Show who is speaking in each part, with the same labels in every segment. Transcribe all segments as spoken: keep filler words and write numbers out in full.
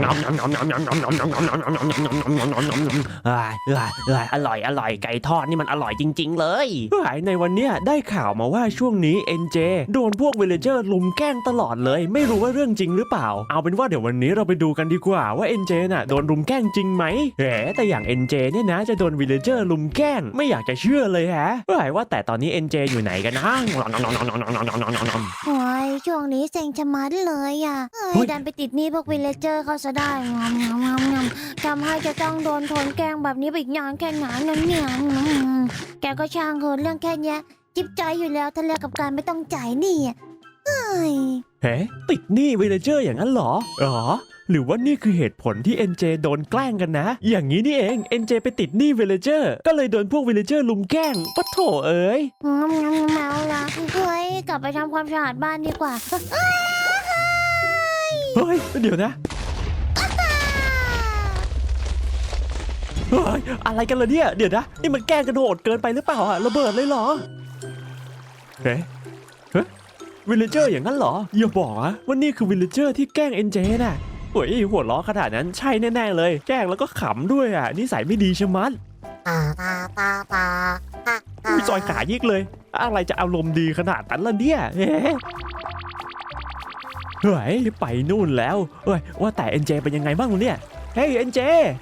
Speaker 1: งอมงอมงอมงอมงอมงอมงอมงอมงอมงอมงอมงอมงอมงอมงอมงอมงอมเอ้ยเอ้ยเอ้ยอร่อยอร่อยไก่ทอดนี่มันอร่อยจริงๆเลยเฮ้ยในวันเนี้ยได้ข่าวมาว่าช่วงนี้ เอ็น เจ โดนพวกวิลเลเจอร์ลุมแกล้งตลอดเลยไม่รู้ว่าเรื่องจริงหรือเปล่าเอาเป็นว่าเดี๋ยววันนี้เราไปดูกันดีกว่าว่า เอ็น เจ น่ะโดนลุมแกล้งจริงไหมแหมแต่อย่าง เอ็น เจ เนี่ยนะจะโดนวิลเลเจอร์ลุมแกล้งไม่อยากจะเชื่อเลยฮะเฮ้ยว่าแต่ตอนนี้ เอ็น เจ อยู่ไหนกันนะ
Speaker 2: โอ้ยช่วงนี้เซ็งชะมัดเลยอ่ะเฮ้ยดันไปติดหนี้พวกวิลเลเจอร์เขาซะได้งอมงอมงอมงอมทำให้จะต้องโดนทนแกล้งแบบนี้ไปอีกนานแค่ไหนนั่นเนี่ยแกก็ช่างเถอะเรื่องแค่นี้จิบใจอยู่แล้วทะเลกับการไม่ต้องจ่ายหนี้เฮ้ย
Speaker 1: เฮ้ติดหนี้วิลเลเจอร์อย่างนั้นเหรอหรอหรือว่านี่คือเหตุผลที่ เอ็น เจ โดนแกล้งกันนะอย่างนี้นี่เอง เอ็น เจ ไปติดหนี้วิลเลเจอร์ก็เลยโดนพวกวิลเลเจอร์ลุมแกล้งปะโถเอ้ย
Speaker 2: งอมงอมเมาละเฮ้ยกลับไปทำความสะอาดบ้านดีกว่า
Speaker 1: เฮ้ยเดี๋ยวนะเฮ้ยอะไรกันล่ะเนี่ยเดี๋ยวนะนี่มันแกล้งกันโหดเกินไปหรือเปล่าอะระเบิดเลยเหรอเฮ้ยเฮ้ยวิลเลเจอร์อย่างนั้นเหรออย่าบอกนะว่านี่คือวิลเลเจอร์ที่แกล้ง เอ็น เจ น่ะเฮ้ยหัวล้อขนาดนั้นใช่แน่ๆเลยแกล้งแล้วก็ขำด้วยอ่ะนิสัยไม่ดีชะมัดมีซอยขายิกเลยอะไรจะอารมณ์ดีขนาดนั้นล่ะเนี่ยเฮ้เฮ้ยไปนู่นแล้วเฮ้ยว่าแต่ เอ็น เจ เป็นยังไงบ้างเนี่ยเฮ้ย เอ็น เจ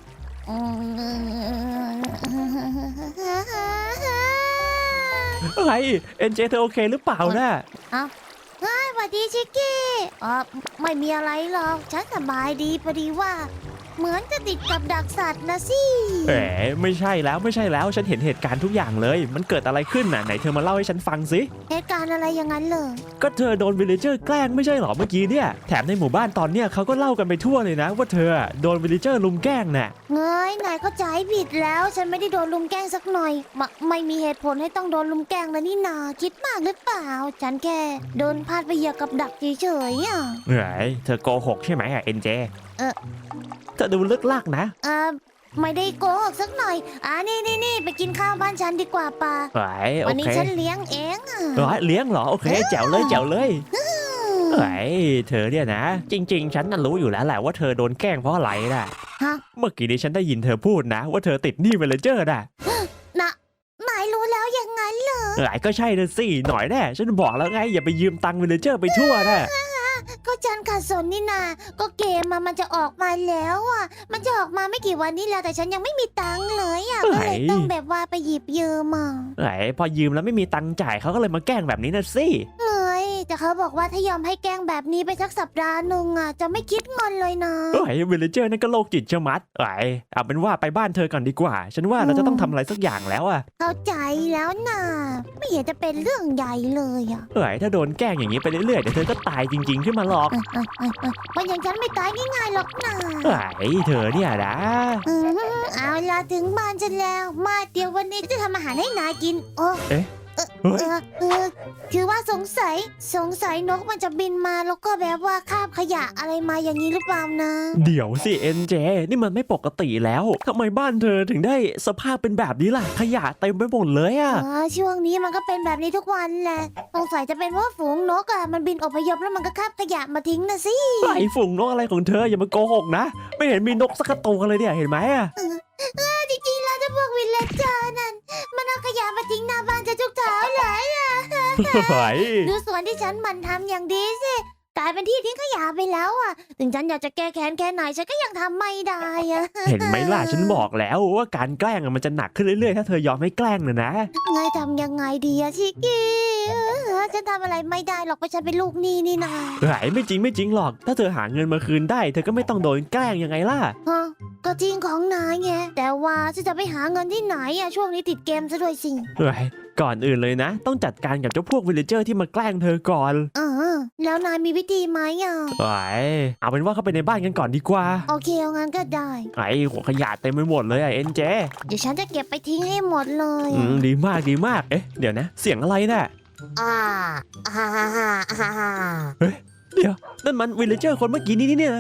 Speaker 1: เฮ้ย เอ็น เจ เธอโอเคหรือเปล่านะ
Speaker 2: เอ้าเฮ้ยสวัสดีชิคกี้อ๋อไม่มีอะไรหรอกฉันสบายดีพอดีว่าเหมือนจะติดกับดักสัตว์นะสิ
Speaker 1: แหมไม่ใช่แล้วไม่ใช่แล้วฉันเห็นเหตุการณ์ทุกอย่างเลยมันเกิดอะไรขึ้นน่ะไหนเธอมาเล่าให้ฉันฟังสิ
Speaker 2: เหตุการณ์อะไรอย่างนั้นเลย
Speaker 1: ก็เธอโดนวิลเลเจอร์แกล้งไม่ใช่หรอเมื่อกี้เนี่ยแถมในหมู่บ้านตอนเนี้ยเขาก็เล่ากันไปทั่วเลยนะว่าเธอโดนวิลเลเจอร์ลุมแกล้งน่ะ
Speaker 2: เงยนายเข้าใจผิดแล้วฉันไม่ได้โดนลุมแกล้งสักหน่อยมไม่มีเหตุผลให้ต้องโดนลุมแกล้งเลยนี่นาคิดมากหรือเปล่าฉันแค่โดนพาดไปเหยียบกับดักเฉยๆอ่ะ
Speaker 1: เฮ้ยเธอโกหกใช่ไหมอะเอ็นเจ
Speaker 2: เออ
Speaker 1: เธอดูลึกลักนะ
Speaker 2: เออไม่ได้โกหกสักหน่อยอ่านี่นี่นี่ไปกินข้าวบ้านฉันดีกว่าป่ะวันนี้ฉันเลี้ยงเองอ่ะ
Speaker 1: เลี้ยงเหรอโอเคแจ๋วเลยแจ๋วเลยเฮ้ยเธอเนี่ยนะจริงๆฉันน่ะรู้อยู่แล้วแหละว่าเธอโดนแกล้งเพราะอะไรน่ะเมื่อกี้นี้ฉันได้ยินเธอพูดนะว่าเธอติดหนี้วิลเลเจอร์น่ะ
Speaker 2: นะนายรู้แล้วอย่างนั้นเหรอ
Speaker 1: หลายก็ใช่เลยสิหน่อยแน่ฉันบอกแล้วไงอย่าไปยืมตังค์วิลเลเจอร์ไปทั่วนะ
Speaker 2: ก็ฉันขาดสนนี่นาก็เกมมามันจะออกมาแล้วอ่ะมันจะออกมาไม่กี่วันนี้แล้วแต่ฉันยังไม่มีตังค์เลยอ่ะก็เลยต้องแบบว่าไปหยิบยืมมา
Speaker 1: ไหนพอยืมแล้วไม่มีตังค์จ่ายเขาก็เลยมาแกล้งแบบนี้นะสิ
Speaker 2: เฮ้ยแต่เขาบอกว่าถ้ายอมให้แกล้งแบบนี้ไปสักสัปดาห์นึงอ่ะจะไม่คิดเงินเลยนะ
Speaker 1: เฮ้ยวิลเลเจอร์นั่นก็โรคจิตชะมัดไหนเอาเป็นว่าไปบ้านเธอก่อนดีกว่าฉันว่าเราจะต้องทำอะไรสักอย่างแล้วอ่ะ
Speaker 2: เข้าใจแล้วนะไม่เห็นจะเป็นเรื่องใหญ่เลยอ่ะ
Speaker 1: เฮ้ยถ้าโดนแกล้งอย่างนี้ไปเรื่อยๆเดี๋ยวเธอก็ตายจริงๆขึ้นมาหรอก
Speaker 2: มันอย่างฉันไม่ตายง่ายๆหรอกนะ
Speaker 1: ไอ้เธอเนี่ยนะ
Speaker 2: เอาล่ะถึงบ้านฉันแล้วมาเดี๋ยววันนี้จะทำอาหารให้นายกินโอ้
Speaker 1: เอ๊ะ
Speaker 2: เออเออคือว่าสงสัยสงสัยนกมันจะบินมาแล้วก็แบบว่าคาบขยะอะไรมาอย่างนี้หรือเปล่านะ
Speaker 1: เดี๋ยวสิเอ็นเจนี่มันไม่ปกติแล้วทำไมบ้านเธอถึงได้สภาพเป็นแบบนี้ล่ะขยะเต็มไปหมดเลยอ่ะ
Speaker 2: ช่วงนี้มันก็เป็นแบบนี้ทุกวันแหละสงสัยจะเป็นเพราะฝูงนกอ่ะมันบินอพยพแล้วมันก็คาบขยะมาทิ้งนะสิ
Speaker 1: ไอ้ฝูงนกอะไรของเธออย่ามาโกหกนะไม่เห็นมีนกสักตัวเลยเนี่ยเห็นไหมอ่ะ
Speaker 2: จริงๆแล้วถ้าพวกวิลเลเจอร์นั่นมันเอาขยะมาทิ้งหน้าบ้านจะทุกเช้าเลยอ่ะดูสวนที่ฉันมันทำอย่างดีสิกลายเป็นที่ทิ้งขยะไปแล้วอ่ะถึงฉันอยากจะแก้แค้นแค่ไหนฉันก็ยังทำไม่ได้อ่ะ
Speaker 1: เห็นไหมล่ะฉันบอกแล้วว่าการแกล้งมันจะหนักขึ้นเรื่อยๆถ้าเธอยอมให้แกล้งนะนะ
Speaker 2: ไงทำยังไงดีอะชิคกี้ฉันทำอะไรไม่ได้หรอกเพราะฉันเป็นลูกหนี้นี่นา
Speaker 1: เฮ้ยไม่จริงไม่จริงหรอกถ้าเธอหาเงินมาคืนได้เธอก็ไม่ต้องโดนแกล้งยังไงล่ะ
Speaker 2: ฮะก็จริงของนายไงแต่ว่าฉันจะไปหาเงินที่ไหนอะช่วงนี้ติดเกมซะด้วยสิ
Speaker 1: เฮ้ยก่อนอื่นเลยนะต้องจัดการกับเจ้าพวกวิลเลเจอร์ที่มาแกล้งเธอก่อน
Speaker 2: เออแล้วนายมีวิธีไหมอ่ะ
Speaker 1: ไอ้เอาเป็นว่าเข้าไปในบ้านกันก่อนดีกว่า
Speaker 2: โอเคเอางั้นก็ได้
Speaker 1: ไอ้หัวขยะเต็มไปหมดเลยไอ้เอ็นเจ
Speaker 2: เดี๋ยวฉันจะเก็บไปทิ้งให้หมดเลย
Speaker 1: อืมดีมากดีมากเอ๊ะเดี๋ยวนะเสียงอะไรน่ะ
Speaker 2: อ่าฮ่าฮ่าฮ่าฮ่า
Speaker 1: เฮ้ยเดี๋ยวนั่นมันวิลเลเจอร์คนเมื่อกี้นี้นี่เนี่ย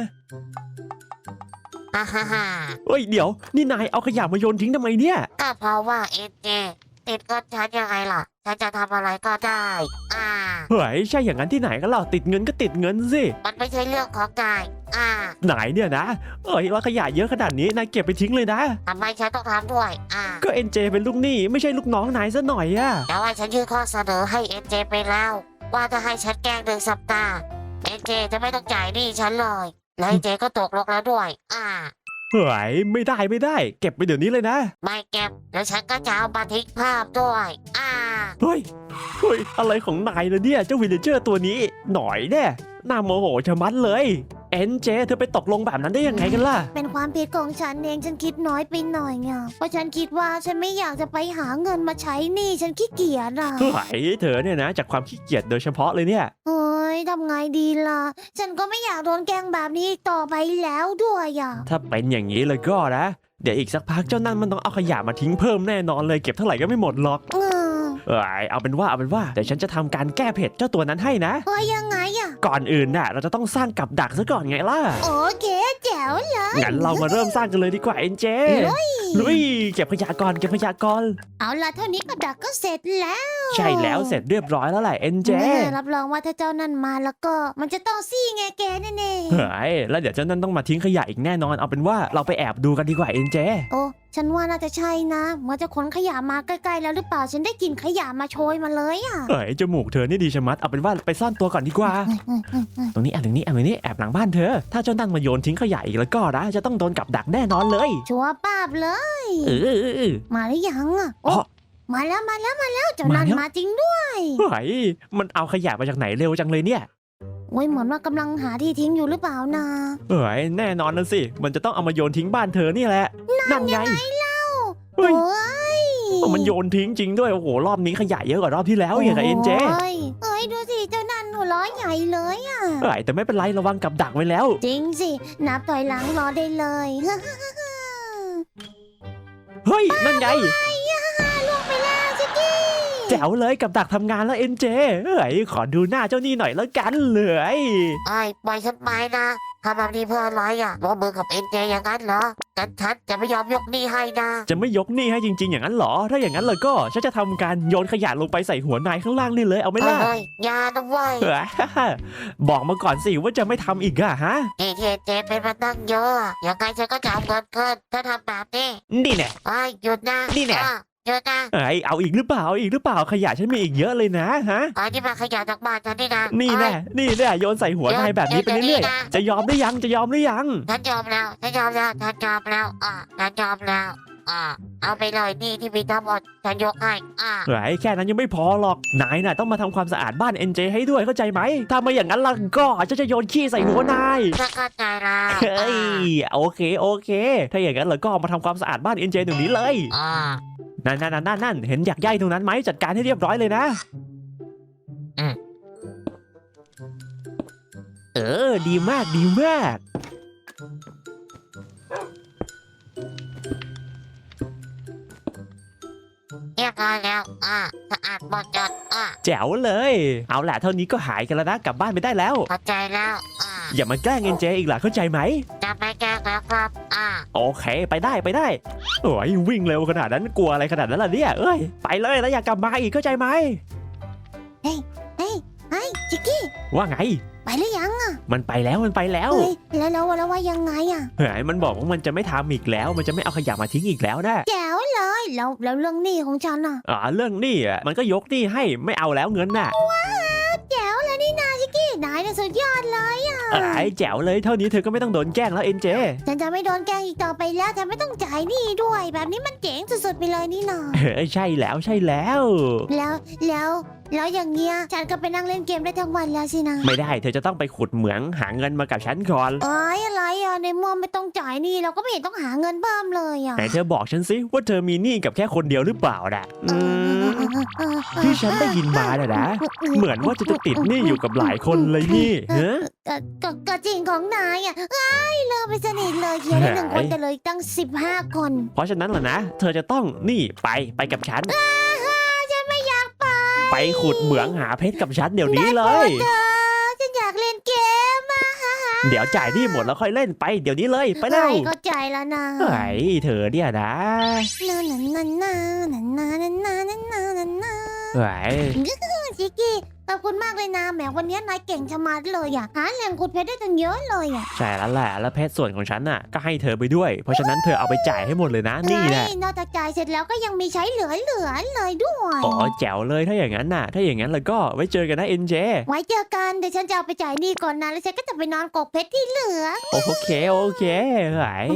Speaker 2: ฮ่าฮ่าฮ่า
Speaker 1: เฮ้ยเดี๋ยวนี่นายเอาขยะมาโยนทิ้งทำไมเนี่ย
Speaker 2: ก็เพราะว่าเอ็นเจแก
Speaker 3: ติดเงินฉันยังไงล่ะฉันจะทำอะไรก็ได้อ่า
Speaker 1: เฮ้ยใช่อย่างนั้นที่ไหนกันเล่าติดเงินก็ติดเงินสิ
Speaker 3: มันไม่ใช่เรื่องของนายอ่า
Speaker 1: ไหนเนี่ยนะเอ้ยว่าขยะเยอะขนาดนี้นายเก็บไปทิ้งเลยนะ
Speaker 3: ทำไมฉันต้องทำด้วยอ่า
Speaker 1: ก็เอ็นเจเป็นลูกหนี้ไม่ใช่ลูกน้องนายซะหน่อยอะ
Speaker 3: แต่ว่าฉันยื่นข้อเสนอให้เอ็นเจไปแล้ว ว่าถ้าให้ฉันแกล้งหนึ่งสัปดาห์เอ็นเจจะไม่ต้องจ่ายหนี้ฉันเลยแล้วเอ็นเจก็ตกลงแล้วด้วยอ่า
Speaker 1: เฮ้ยไม่ได้ไม่ได้ เก็บไปเดี๋ยวนี้เลยนะ
Speaker 3: ไม่เก็บแล้วฉันก็จะเอามาทิ้งภาพด้วยอ่า
Speaker 1: เฮ้ยเฮ้ยอะไรของนายล่ะเนี่ยเจ้าวิลเลเจอร์ตัวนี้หน่อยแน่น่าโมโหชะมัดเลยเอ็นเจเธอไปตกลงแบบนั้นได้ยังไงกันล่ะ
Speaker 2: เป็นความผิดของฉันเองฉันคิดน้อยไปหน่อยไงเพราะฉันคิดว่าฉันไม่อยากจะไปหาเงินมาใช้หนี้ฉันขี้เกียจอ่ะ
Speaker 1: เฮ้ยเธอเนี่ยนะจากความขี้เกียจโดยเฉพาะเลยเนี่ย
Speaker 2: เฮ้ยทำไงดีล่ะ ฉันก็ไม่อยากโดนแกล้งแบบนี้อีกต่อไปแล้วด้วยอ่ะ
Speaker 1: ถ้าเป็นอย่างนี้เลยก็นะ เดี๋ยวอีกสักพักเจ้านั่นมันต้องเอาขยะมาทิ้งเพิ่มแน่นอนเลยเก็บเท่าไหร่ก็ไม่หมดหรอก
Speaker 2: เออ
Speaker 1: เอ้ยเอาเป็นว่าเอาเป็นว่าเดี๋ยวฉันจะทำการแก้เผ็ดเจ้าตัวนั้นให้นะ
Speaker 2: เฮ้ยยังไงอ่ะ
Speaker 1: ก่อนอื่นน่ะเราจะต้องสร้างกับดักซะก่อนไงล่ะ
Speaker 2: โอเคแจ๋วเลย
Speaker 1: งั้นเรามาเริ่มสร้างกันเลยดีกว่าเอ็นเจลุยเก็บขยะก่อนเก็บขยะก่อน
Speaker 2: เอาล่ะเท่านี้กับดักก็เสร็จแล้ว
Speaker 1: ใช่แล้วเสร็จเรียบร้อยแล้วแหละเอ็นเจ
Speaker 2: แม่รับรองว่าถ้าเจ้านั่นมาแล้วก็ มันจะต้องซี่ไงแกแน่
Speaker 1: เฮ้ยแล้วเดี๋ยวเจ้านั่นต้องมาทิ้งขยะอีกแน่นอนเอาเป็นว่าเราไปแอบดูกันดีกว่าเอ็นเจ
Speaker 2: ๆโอ้ฉันว่าน่าจะใช่นะเหมื่อนจะขนขยะมาใกล้ๆแล้วหรือเปล่าฉันได้กลิ่นขยะมาโชยมาเลยอ่ะ
Speaker 1: เฮ้ยจมูกเธอนี่ดีชะมัดเอาเป็นว่าไปซ่อนตัวก่อนดีกว่า ตรงนี้แอบตรงนี้แอบตรงนี้แอบหลังบ้านเธอ ถ้าเจ้านั่นมาโยนทิ้งขยะอีกแล้วก็นะจะต้องโดนกับดักแน่นอนเลย
Speaker 2: ชัวร์ป้าบเลย
Speaker 1: เออเออเออ
Speaker 2: มาหรือยังอ่ะ
Speaker 1: อ๋
Speaker 2: โอ้
Speaker 1: อ
Speaker 2: มาแล้วมาแล้วมาแล้วเจ้านั่น
Speaker 1: มาแล้ว
Speaker 2: มาจริงด้วย
Speaker 1: เฮ้ยมันเอาขยะมาจากไหนเร็วจังเลยเนี่ย
Speaker 2: โอ้ยเหมือนว่ากำลังหาที่ทิ้งอยู่หรือเปล่านะ
Speaker 1: เฮ้ยแน่นอนนะสิมันจะต้องเอามาโยนทิ้งบ้านเธอนี่แหละนั่นไงเฮ้
Speaker 2: โอ้
Speaker 1: ย
Speaker 2: ย
Speaker 1: มันโยนทิ้งจริงด้วยโอ้โหรอบนี้ขยะเยอะกว่ารอบที่แล้วอย่างกับเอ็นเจ
Speaker 2: โอ้ยเอ้ยดูสิเจ้านั่นหัวเร้อยใหญ่เลยอ่ะ
Speaker 1: เฮ้ยแต่ไม่เป็นไรระวังกับดักไว้แล้ว
Speaker 2: จริงสินับถอยหลังรอได้เลย
Speaker 1: เฮ้ยนั่นไง
Speaker 2: ล่วงไปแล้วชิคกี้
Speaker 1: แจ๋วเลยกับดักทำงานแล้วเอ็นเจเฮ้ยขอดูหน้าเจ้านี่หน่อยแล้วกันเลย
Speaker 3: ไอ้ปล่อยฉันไปนะทำแบบนี้เพื่ออะไรอ่ะร่วมมือกับเอ็นเจอย่างนั้นเหรอแต่ฉันจะไม่ยอมยกหนี้ให้นะ
Speaker 1: จะไม่ยกหนี้ให้จริงๆอย่างนั้นเหรอ ถ้าอย่างนั้นเลยก็ฉันจะทำการโยนขยะลงไปใส่หัวนายข้างล่างนี่เลยเอาไหมล่ะ
Speaker 3: เฮ้ยอยานะเว้ย
Speaker 1: เฮ้ยบอกมาก่อนสิว่าจะไม่ทำอีกอะฮะ
Speaker 3: นี่ที่เอ็นเจเป็นมาตั้งเยอะอะยังไงฉันก็จะเอาเงินเกินถ้าทำแบบนี้
Speaker 1: นี่แน่
Speaker 3: ไอ้ยหยุดนะ
Speaker 1: นี่แน่
Speaker 3: อ่ะหยุดนะ
Speaker 1: เอ้ยเอาอีกหรือเปล่าเอาอีกหรือเปล่าขยะฉันมีอีกเยอะเลยนะฮะ
Speaker 3: ไอ้ที่มาขยะจากบ้านฉันนี่นะ
Speaker 1: นี่แน่
Speaker 3: เอ้ย
Speaker 1: นี่แน่โยนใส่หัวนายแบบนี้ไปเรื่อย
Speaker 3: เดี๋ยว
Speaker 1: ๆจะยอมหรือยังจะยอมหรือยัง
Speaker 3: ฉันยอมแล้วฉันยอมแล้วฉันยอมแล้วอ่ะฉันยอมแล้วอ่ะเอาไปเลยหนี่ที่มีทั้งหมดฉันยกให้อ่ะ
Speaker 1: เฮ้ยแค่นั้นยังไม่พอหรอกนายน่ะต้องมาทำความสะอาดบ้านเอ็นเจให้ด้วยเข้าใจไหมถ้าไม่อย่างนั้นล่ะก็จะจะโยนขี้ใส่หัวนาย
Speaker 3: ฉันเข้าใจแล้ว
Speaker 1: เฮ้ยโอเคโอเค ถ้าอย่างนั้นเราก็มาทำความสะอาดบ้านเอ็นเจตรงนี้เลย
Speaker 3: อ่ะ
Speaker 1: นั่นนั่นนั่นนั่นเห็นอยากใยตรงนั้นไหมจัดการให้เรียบร้อยเลยนะ
Speaker 3: อืม
Speaker 1: เออดีมากดีมาก
Speaker 3: เรียบร้อยแล้วอ่ะสะอาดหมดจดอ่ะ
Speaker 1: แจ๋วเลย เอาแหละเท่านี้ก็หายกันแล้วนะกลับบ้านไปได้แล้ว
Speaker 3: เข้าใจแล้วอ่ะ
Speaker 1: อย่ามาแกล้งเอ็นเจอีกล่ะเข้าใจไหม
Speaker 3: จะไม่แกล้งแล้วครับอ่ะ
Speaker 1: โอเคไปได้ไปได้โอ้ยวิ่งเร็วขนาดนั้นกลัวอะไรขนาดนั้นล่ะเนี่ยเอ้ยไปเลยแล้วอย่ากลับมาอีกเข้าใจไหม
Speaker 2: เฮ้ยเฮ้ยชิคกี้
Speaker 1: ว่าไง
Speaker 2: ไปหรือยังอ่ะ
Speaker 1: มันไปแล้วมันไปแล้ว
Speaker 2: เฮ้ยแล้วแล้วแล้วว่ายังไงอ่ะ
Speaker 1: เฮ้ยมันบอกว่ามันจะไม่ทำอีกแล้ว มันจะไม่เอาขยะมาทิ้งอีกแล้วนะ
Speaker 2: แจ๋วเลยแล้วแล้วเรื่องหนี้ของฉันอ่ะ
Speaker 1: อ่าเรื่องหนี้อ่ะมันก็ยกหนี้ให้ไม่เอาแล้วเงินน่ะ
Speaker 2: แจ๋วเลยนี่นาชิคกี้นายเนี่ยสุดยอดเลยอ่ะ
Speaker 1: ไอ้แจ๋วเลยเท่านี้เธอก็ไม่ต้องโดนแกล้งแล้วเอ็นเจ
Speaker 2: ฉันจะไม่โดนแกล้งอีกต่อไปแล้วฉันไม่ต้องจ่ายหนี้ด้วย แบบนี้มันเจ๋งสุดๆไปเลยนี่นา
Speaker 1: เฮ้ยใช่แล้วใช่แล้ว
Speaker 2: แล้วแล้วแล้วอย่างเงี้ยฉันก็ไปนั่งเล่นเกมได้ทั้งวันแล้วสินะ
Speaker 1: ไม่ได้เธอจะต้องไปขุดเหมืองหาเงินมากับฉันก่อน
Speaker 2: เอ้ยอะไรอ่ะในเมื่อไม่ต้องจ่ายหนี้เราก็ไม่เห็นต้องหาเงินเพิ่มเลยอ่ะ
Speaker 1: ไหนเธอบอกฉันสิว่าเธอมีหนี้กับแค่คนเดียวหรือเปล่าน่ะอืมที่ฉันได้ยินมาน่ะนะเหมือนว่าจะจะติดหนี้อยู่กับหลายคนเลยนี่เฮ้
Speaker 2: ก็ก็ก็จริงของนายอ่ะเอ้ยเลิกไปสนิทเลยเคลียร์ได้หนึ่งคนแต่เลยตั้งสิบห้าคน
Speaker 1: เพราะฉะนั้นล่ะนะ เธอจะต้องนี่ไปไปกับฉัน
Speaker 2: ฉันไม่อยากไป
Speaker 1: ไปขุดเหมืองหาเพชรกับฉันเดี๋ยวนี้เลย
Speaker 2: เธอฉันอยากเล่นเกมอ่ะฮ่าฮ่า
Speaker 1: เดี๋ยวจ่ายหนี่หมดแล้วค่อยเล่นไปเดี๋ยวนี้เลยไปเร็ว
Speaker 2: เอ้ยก็ใจแล้วนะ
Speaker 1: เฮ้ยเธอเนี่ยนะ
Speaker 2: นานานานานานานานานานานานา
Speaker 1: เฮ้ย
Speaker 2: ชิกกี้ขอบคุณมากเลยนะแหมวันนี้นายเก่งชะมัดเลยอ่ะหาแหล่งขุดเพชรได้ตั้งเยอะเลยอ่ะ
Speaker 1: ใช่แล้วแหละแล้วเพชรส่วนของฉันน่ะก็ให้เธอไปด้วย เพราะฉะนั้นเธอเอาไปจ่ายให้หมดเลยนะนี่แหละ
Speaker 2: เอ้ยนอกจากจ่ายเสร็จแล้วก็ยังมีใช้เหลือเหลือๆเลยด้วย
Speaker 1: อ๋อแจ๋วเลยถ้าอย่างนั้นน่ะ ถ้าอย่างนั้นแล้วก็ไว้เจอกันนะเอ็นเจ
Speaker 2: ไว้เจอกันเดี๋ยวฉันจะเอาไปจ่ายหนี้ก่อนนะแล้วฉันก็จะไปนอนกกเพชรที่เหลือ
Speaker 1: โอเคโอเคเฮ้ย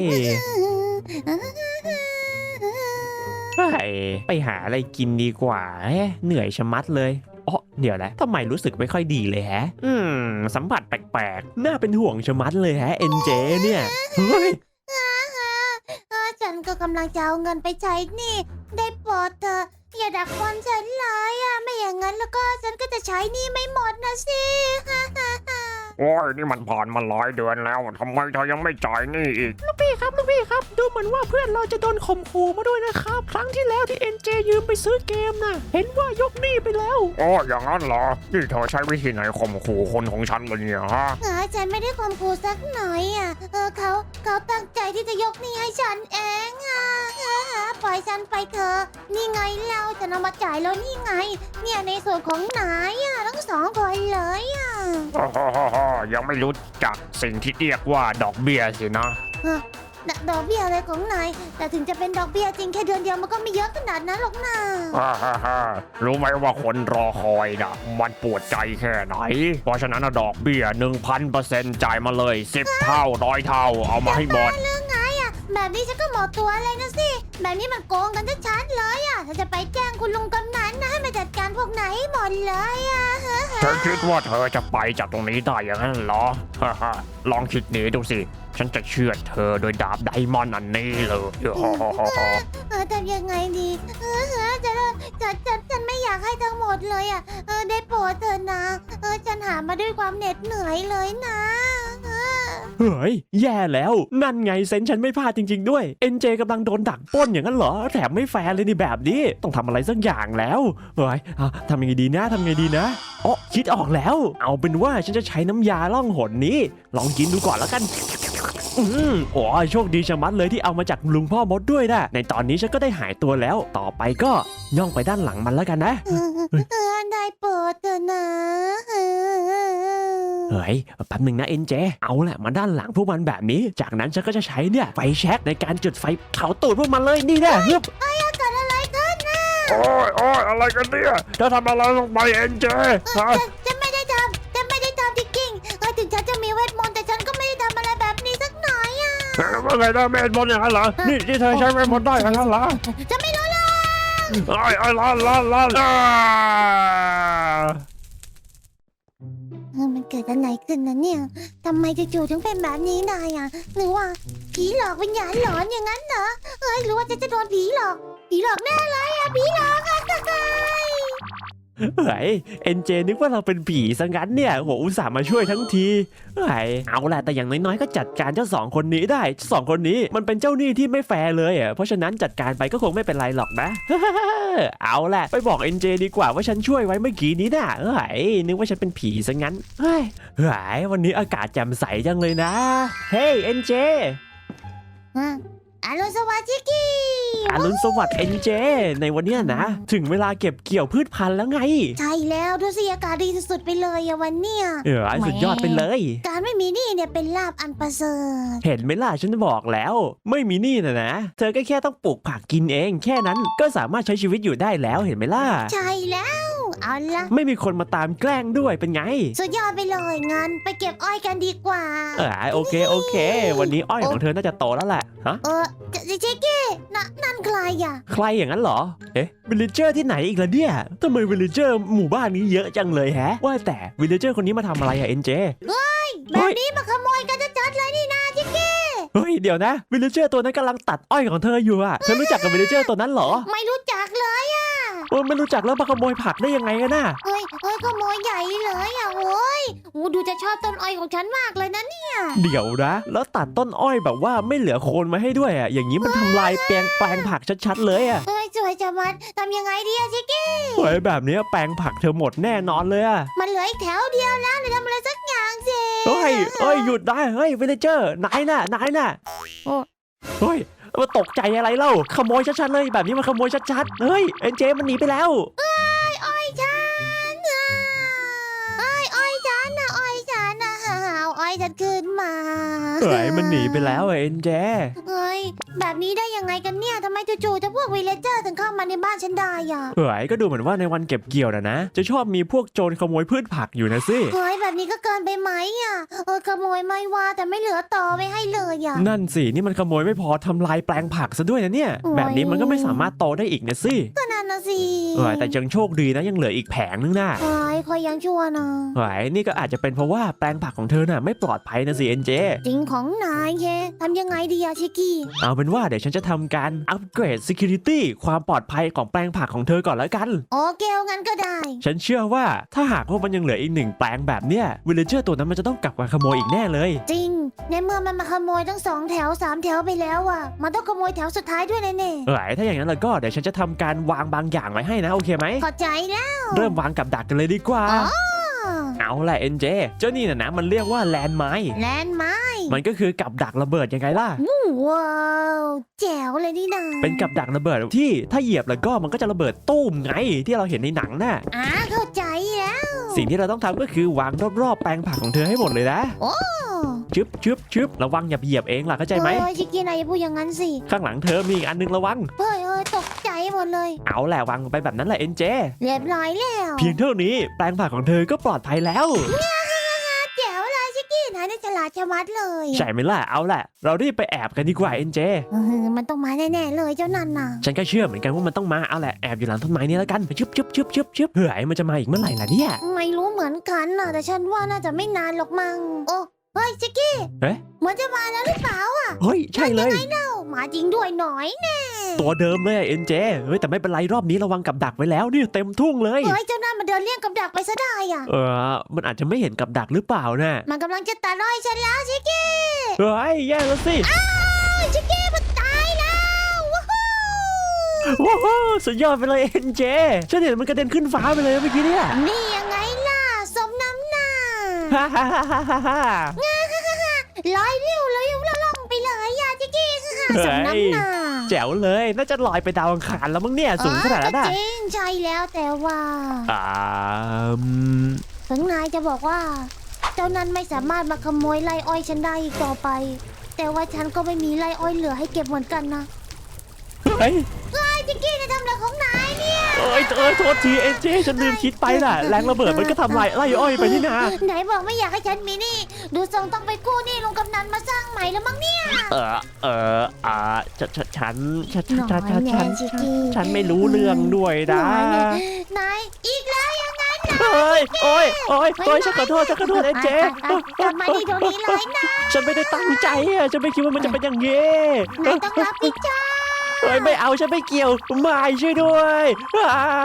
Speaker 1: เฮ้ยไปหาอะไรกินดีกว่าเฮ้ยเหนื่อยชะมัดเลยอ๋อเดี๋ยวนะทำไมรู้สึกไม่ค่อยดีเลยแฮะ อืมสัมผัสแปลกๆน่าเป็นห่วงชะมัดเลยฮะเอ็นเจเนี่ยเฮ้ย
Speaker 2: เออฉันก็กำลังจะเอาเงินไปใช้หนี้ได้โปรดเธอะอย่าดักฟันฉันเลยอ่ะไม่อย่างนั้นแล้วก็ฉันก็จะใช้หนี้ไม่หมดนะสิ
Speaker 4: โอ้ยนี่มันผ่านมาหลายเดือนแล้วทำไมเธอยังไม่จ่ายหนี่อีก
Speaker 1: พี่ครับลูกพี่ครับดูเหมือนว่าเพื่อนเราจะโดนข่มขู่มาด้วยนะครับครั้งที่แล้วที่เอ็นเจยืมไปซื้อเกมน่ะเห็นว่ายกหนี้ไปแล้ว
Speaker 4: โอ้อย่างนั้นเหรอ นี่เธอใช้วิธีไหนข่มขู่คนของฉันเลยเนี่ยฮะ
Speaker 2: เออฉันไม่ได้ข่มขู่สักหน่อยอ่ะเออเขาเขาตั้งใจที่จะยกหนี้ให้ฉันเองอ่ะเออปล่อยฉันไปเถอะนี่ไงเราจะนำมาจ่ายแล้วนี่ไง เนี่ยในส่วนของนายอ่ะทั้งสองคนเลยอ่ะ
Speaker 4: โอ้โหโหโหยังไม่รู้จักสิ่งที่เรียกว่าดอกเบี้ยสินะ
Speaker 2: ดดอกเบี้ยอะไรของนายแต่ถึงจะเป็นดอกเบี้ยจริงแค่เดือนเดียวมันก็ไม่เยอะขนาดนั้นหรอกนะ
Speaker 4: ฮ่าฮ่าฮ่ารู้ไหมว่าคนรอคอยนะมันปวดใจแค่ไหน เพราะฉะนั้นนะดอกเบี้ยหนึ่งพันเปอร์เซ็นต์จ่ายมาเลยสิบเท่าร้อยเท่าเอามาให้หมด
Speaker 2: เรื่องไงอ่ะแบบนี้ฉันก็หมดตัวเลยนะสิแบบนี้มันโกงกันชัดๆเลยอ่ะถ้าจะไปแจ้งคุณลุงกำนันนะให้มาจัดการพวกไหนให้หมดเลยอ่ะ
Speaker 4: เธอคิดว่าเธอจะไปจากตรงนี้ได้อย่างนั้นเหรอ ฮ่าฮ่าลองคิดหนีดูสิ ฉันจะเชื่อดเธอโดยดาบไดมอนด์อันนี้เลยฮ่าฮ่าฮ่าฮ่า
Speaker 2: เออทำยังไงดีเออเออฉันฉันฉันฉันไม่อยากให้ทั้งหมดเลยอ่ะเออได้โปรดเถอะนะเออฉันหามาด้วยความเหน็ดเหนื่อยเลยนะเออ
Speaker 1: เฮ้ยแย่แล้วนั่นไงเซนฉันไม่พลาดจริง ๆ ด้วยเอ็นเจกำลังโดนดักปล้นอย่างนั้นเหรอแถมไม่แฟร์เลยนี่แบบนี้ต้องทำอะไรสักอย่างแล้วเฮ้ยอ่ะทำยังไงดีนะทำยังไงดีนะอ๋อคิดออกแล้ว เอาเป็นว่าฉันจะใช้น้ำยาล่องหนนี้ ลองกินดูก่อนแล้วกันอืมโอ้ยโชคดีชะมัดเลยที่เอามาจากลุงพ่อมดด้วยนะในตอนนี้ฉันก็ได้หายตัวแล้ว ต่อไปก็ย่องไปด้านหลังมันแล้วกันนะ
Speaker 2: เออเออได้โปรดเถอะนะเออ
Speaker 1: เฮ้ยแป๊บหนึ่งนะเอ็นเจเอาแหละมาด้านหลังพวกมันแบบนี้ จากนั้นฉันก็จะใช้เนี่ยไฟแช็กในการจุดไฟเผาตูดพวกมันเลยนี่แน่ฮึบ
Speaker 2: เกิดอะไรขึ้นนะ
Speaker 4: โอ้ยโอ้ยอะไรกันเนี่ยเธอทำอะไรลงไปเอ็นเจฮะ
Speaker 2: ฉันฉันไม่ได้ทำฉันไม่ได้ทำจริงๆเออถึงฉันจะมีเวทมนต์แต่ฉันก็ไม่ได้ทำอะไรแบบนี้สักหน่อยอ่ะ
Speaker 4: เอ๊ะว่าไงนะเมธมนต์อย่างนั้นเหรอ นี่ที่เธอใช้เมธมนต์ได้อย่างนั้นเหรอ
Speaker 2: ฉันไม่รู้เลย
Speaker 4: ไอ้ไอ้ล้านล้านล้านอ่า
Speaker 2: เออมันเกิดอะไรขึ้นนะเนี่ยทำไมจู่ๆถึงเป็นแบบนี้ได้อ่ะหรือว่าผีหลอกวิญญาณหลอนอย่างนั้นเหรอเอ้ยหรือว่าจะจะโดนผีหลอกผีหลอกแน่เลยอ่ะผีหลอกอ่ะ
Speaker 1: เฮ้ยเอ็นเจนึกว่าเราเป็นผีซะงั้นเนี่ยโหอุตส่าห์มาช่วยทั้งทีเฮ้ยเอาแหละแต่อย่างน้อยๆก็จัดการเจ้าสองคนนี้ได้เจ้าสองคนนี้มันเป็นเจ้าหนี้ที่ไม่แฟร์เลยอ่ะเพราะฉะนั้นจัดการไปก็คงไม่เป็นไรหรอกนะ เอาแหละไปบอกเอ็นเจดีกว่าว่าฉันช่วยไว้เมื่อกี้นี้น่ะเฮ้ยนึกว่าฉันเป็นผีซะงั้นเฮ้ยเฮ้ยวันนี้อากาศแจ่มใสจังเลยนะเฮ้ยเอ็นเจ
Speaker 2: อ่ะอรุณสวัสดิ์ชิคกี้
Speaker 1: อรุณสวัสดิ์เอ็นเจในวันเนี้ยนะ ถึงเวลาเก็บเกี่ยวพืชพันธุ์แล้วไง
Speaker 2: ใช่แล้วดูสิอากาศดีสุดๆไปเลยอะวันเนี้ย
Speaker 1: เออสุดยอดไปเลย
Speaker 2: การไม่มีหนี่เนี่ยเป็นลาบอันประเสริฐ
Speaker 1: เห็นไหมล่ะฉันบอกแล้ว ไม่มีหนี้นะนะ เธอก็แค่ต้องปลูกผักกินเอง แค่นั้นก็สามารถใช้ชีวิตอยู่ได้แล้วเห็นไหมล่ะ
Speaker 2: ใช่แล้วเอาละ
Speaker 1: ไม่มีคนมาตามแกล้งด้วยเป็นไง
Speaker 2: สุดยอดไปเลยงั้นไปเก็บอ้อยกันดีกว่า
Speaker 1: เออโอเคโอเค วันนี้อ้อยของเธอน่าจะโตแล้วแหละฮะ
Speaker 2: เออชิคกี้นะนั่นใครอะ
Speaker 1: ใครอย่างนั้นเหรอเอ๊ะวิลเลเจอร์ที่ไหนอีกล่ะเนี่ยทำไมวิลเลเจอร์หมู่บ้านนี้เยอะจังเลยแฮะ ว่าแต่วิลเลเจอร์คนนี้มาทำอะไรอะเอ็นเจ
Speaker 2: แบบนี้มาขโมยกันชัดๆเลยนี่นาชิคกี้
Speaker 1: เฮ้ยเดี๋ยวนะวิลเลเจอร์ตัวนั้นกำลังตัดอ้อยของเธออยู่อะเธอรู้จักกับวิลเลเจอร์ตัวนั้นเหรอ
Speaker 2: ไม่รู้จักเลยอะ
Speaker 1: เออไม่รู้จักแล้วมาขโมยผักได้ยังไงกันน่ะ
Speaker 2: เฮ้ยเฮ้ยขโมยใหญ่เลยอะโอ้ยโอ้ดูจะชอบต้นอ้อยของฉันมากเลยนะเนี่ย
Speaker 1: เดี๋ยวนะ แล้วตัดต้นอ้อยแบบว่าไม่เหลือโคนมาให้ด้วยอ่ะ อย่างนี้มันทำลายแปลงแปลงผักชัดๆเลยอ่ะ
Speaker 2: เฮ้ยสวยจะมัดทำยังไงดีอะชิคกี้
Speaker 1: เฮ้ยแบบเนี้ยแปลงผักเธอหมดแน่นอนเลยอะ
Speaker 2: มันเหลืออีกแถวเดียวแล้วเลยทำอะไรสักอย่างสิ
Speaker 1: เฮ้ยเฮ้ยหยุดได้เฮ้ยวิลเลเจอร์นายน่ะนายน่ะ
Speaker 2: โอ้
Speaker 1: เฮ้ยมาตกใจอะไรเล่าขโมยชัดๆเลยแบบนี้มันขโมยชัดๆเฮ้ยเอ็นเจมันหนีไปแล้ว
Speaker 2: อ้อยฉันอ่ะอ้อยอ้อยฉันนะอ้อยฉันนะเอาอ้อยฉันขึ้นมา
Speaker 1: เฮ้ยมันหนีไปแล้วอะเอ็นเจ
Speaker 2: เฮ้ยแบบนี้ได้ยังไงกันเนี่ยทำไมจู่ๆจะพวกวิลเลเจอร์ถึงเข้ามาในบ้านฉันได้อ่ะ
Speaker 1: เฮ้ยก็ดูเหมือนว่าในวันเก็บเกี่ยวนะนะจะชอบมีพวกโจรขโมยพืชผักอยู่นะสิ
Speaker 2: เฮ้ยแบบนี้ก็เกินไปไหมอ่ะเออขโมยไม่ว่าแต่ไม่เหลือต่อไม่ให้เลยอ่ะ
Speaker 1: นั่นสินี่มันขโมยไม่พอทำลายแปลงผักซะด้วยนะเนี่ย
Speaker 2: โอ้ย
Speaker 1: แบบนี้มันก็ไม่สามารถโตได้อีกนะสิ
Speaker 2: ก็นั่นนะสิ
Speaker 1: เฮ้ยแต่ยังโชคดีนะยังเหลืออีกแผงนึงนะ
Speaker 2: เฮ้ยคอยยังชั่วนะ
Speaker 1: เฮ้ยนี่ก็อาจจะเป็นเพราะว่าแปลงผักของเธอน่ะไม่ปลอดภัยนะสิเอ็นเจ
Speaker 2: จริงของนายเคทำยังไงดีอะชิคกี้
Speaker 1: เอาเป็นว่าเดี๋ยวฉันจะทำการอัปเกรด Security ความปลอดภัยของแปลงผักของเธอก่อนแล้วกัน
Speaker 2: โอเคเอางั้นก็ได้
Speaker 1: ฉันเชื่อว่าถ้าหากว่ามันยังเหลืออีกหนึ่งแปลงแบบเนี้ยวิลเลเจอร์ตัวนั้นมันจะต้องกลับมาขโมยอีกแน่เลย
Speaker 2: จริง ในเมื่อมันมาขโมยทั้งสองแถวสามแถวไปแล้วอ่ะ มันต้องขโมยแถวสุดท้ายด้วยแน่
Speaker 1: เอ้ยถ้าอย่างนั้นแล้วก็เดี๋ยวฉันจะทำการวางบางอย่างไว้ให้นะโอเคไหม
Speaker 2: ๆขอใจแล้ว
Speaker 1: เริ่มวางกับดักกันเลยดีกว่า
Speaker 2: อ๋อ
Speaker 1: เอาแหละเอ็นเจเจ้านี่น่ะนะมันเรียกว่าแลนด์ไมน์
Speaker 2: แลนด์ไม้
Speaker 1: มันก็คือกับดักระเบิดยังไงล่ะ
Speaker 2: ว้าวแจ๋วเลยนี่นา
Speaker 1: เป็นกับดักระเบิดที่ถ้าเหยียบแล้วก็มันก็จะระเบิดตุ้มไงที่เราเห็นในหนังน่ะ
Speaker 2: อ่าเข้าใจแล้ว
Speaker 1: สิ่งที่เราต้องทำก็คือวางรอบๆแปลงผักของเธอให้หมดเลยนะ
Speaker 2: โอ้
Speaker 1: ชึบชึบชึบระวังอย่าไปเหยียบเองล่ะเข้าใจไหม
Speaker 2: เฮ้ยชิคกี้นายอย่าพูดอย่างนั้นสิ
Speaker 1: ข้างหลังเธอมีอีกอันนึงระวัง
Speaker 2: เฮ้ยเฮ้ยตกใจหมดเลย
Speaker 1: เอาแหละวางไปแบบนั้นแหละเอ็นเจ
Speaker 2: เรียบร้อยแล้ว
Speaker 1: เพียงเท่านี้แปลงผักของเธอก็ปลอดภัยแล้ว
Speaker 2: แจ๋วเลยชิคกี้นายนี่ฉลาดชะมัดเลย
Speaker 1: ใช่ไหมล่ะเอาแหละเรารีบไปแอบกันดีกว่าเอ็นเจ
Speaker 2: เออมันต้องมาแน่ๆเลยเจ้านั่นน่ะ
Speaker 1: ฉันก็เชื่อเหมือนกันว่ามันต้องมาเอาแหละแอบอยู่หลังต้นไม้นี่แล้วกันชึบชึบชึบชึบชึบเฮ้ยมันจะมาอีกเมื่อไหร่ล่ะเนี่ย
Speaker 2: ไม่รู้เหมือนกันน่ะแต่ฉันว่าน่าจะไม่นานหรอกมั้งโอ้เฮ้ยชิคกี้
Speaker 1: เอ๊ะ
Speaker 2: เหมือนจะมาแล้วหรือเปล่า
Speaker 1: เฮ้ยใช่เลย
Speaker 2: เอ้ามาจริงด้วยหน่อยแน่
Speaker 1: ตัวเดิมเลยเอ็นเจเฮ้ยแต่ไม่เป็นไรรอบนี้ระวังกับดักไว้แล้วนี่เต็มทุ่งเลย
Speaker 2: เฮ้ยเจ้านั่นมันเดินเลี่ยงกับดักไปซะได้อ่ะ
Speaker 1: เออมันอาจจะไม่เห็นกับดักหรือเปล่านะ
Speaker 2: มันกำลังจะตัดร้อยฉันแล้วชิคกี้
Speaker 1: เฮ้ยแย่แล้วสิ
Speaker 2: อ้าวชิคกี้มันตายแล้วว้าว
Speaker 1: ว้าวสุดยอดไปเลยเอ็นเจฉันเห็นมันกระเด็นขึ้นฟ้าไปเลยเมื่อกี้เนี่ย
Speaker 2: นี่ยังไงล่ะสมน้ำหน้า
Speaker 1: ฮ่าฮ่าฮ่าฮ่าฮ่าฮ่า
Speaker 2: ลอยเร็วเลยแล้วล่องไปเลยอ่ะชิคกี้สมน้ำหน้า
Speaker 1: แจ๋วเลยน่าจะลอยไปดาวอังคารแล้วมั้งเนี่ยสูงขนาดนั้น
Speaker 2: อ๋อ
Speaker 1: อ่ะ
Speaker 2: ก็จริงใช่แล้วแต่ว่า
Speaker 1: อ่าอืม
Speaker 2: ถึงนายจะบอกว่า เจ้านั้นไม่สามารถมาขโมยไร่อ้อยฉันได้อีกต่อไป แต่ว่าฉันก็ไม่มีไร่อ้อยเหลือให้เก็บเหมือนกันนะ
Speaker 1: เฮ้ย
Speaker 2: ไอ้จิกกี้นายทำอะไรของนายเนี่ย
Speaker 1: เอ้ยเอ้ยโทษทีเอ็นเจฉันลืมคิดไปน่ะแรงระเบิดมันก็ทำลายไล่อ้อยไปนี่นา
Speaker 2: ไหนบอกไม่อยากให้ฉันมีหนี่ ดูทรงต้องไปกู้หนี่ลุงกำนันมาสร้างใหม่แล้วมั้งเนี่ย
Speaker 1: เออเอออ่าฉันฉันฉัน
Speaker 2: หน่
Speaker 1: ฉั
Speaker 2: อน ย
Speaker 1: ฉัน
Speaker 2: แน่
Speaker 1: ฉัน
Speaker 2: จิกกี้
Speaker 1: ฉันไม่รู้เรื่องด้วยนะ
Speaker 2: หน่อยแน่นายอีกแล้วยังไงนะ
Speaker 1: เฮ้ยโอ้ยโอ้ยโอ้ยฉันขอโทษฉันขอโทษเอ็นเจ
Speaker 2: อ่ะกลับมาที่ตรงนี้เลยนะ
Speaker 1: ฉันไม่ได้ตั้งใจอะฉันไม่คิดว่ามันจะเป็นอย่างงี้
Speaker 2: นายต้องรับผิดชอบ
Speaker 1: เฮ้ยไม่เอาฉันไม่เกี่ยวไม่ช่วยด้วยอ่า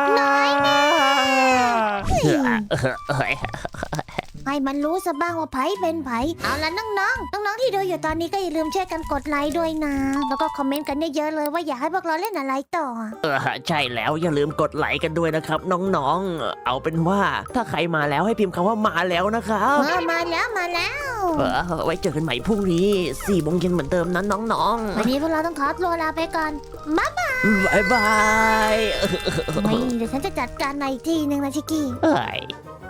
Speaker 2: ให้มันรู้ซะบ้างว่าไผเป็นไผเอาละน้องๆ น้องๆที่ดูอยู่ตอนนี้ก็อย่าลืมช่วยกันกดไลค์ด้วยนะ แล้วก็คอมเมนต์กันเยอะๆเลยว่าอยากให้พวกเราเล่นอะไรต่อ
Speaker 1: เออใช่แล้วอย่าลืมกดไลค์กันด้วยนะครับ น้องๆ เอาเป็นว่าถ้าใครมาแล้วให้พิมพ์คำว่ามาแล้วนะครับ
Speaker 2: เออมาแล้วมาแล้ว
Speaker 1: เออไว้เจอกันใหม่พรุ่งนี้สี่โมงเย็นเหมือนเดิมนะน้อง
Speaker 2: วันนี้พวกเราต้องขอตัวลาไปก่อนบ๊ายบาย
Speaker 1: ๆบายบาย
Speaker 2: ไม่เดี๋ยวฉันจะจัดการในอีกทีหนึ่งนะชิกกี้
Speaker 1: เอ้ย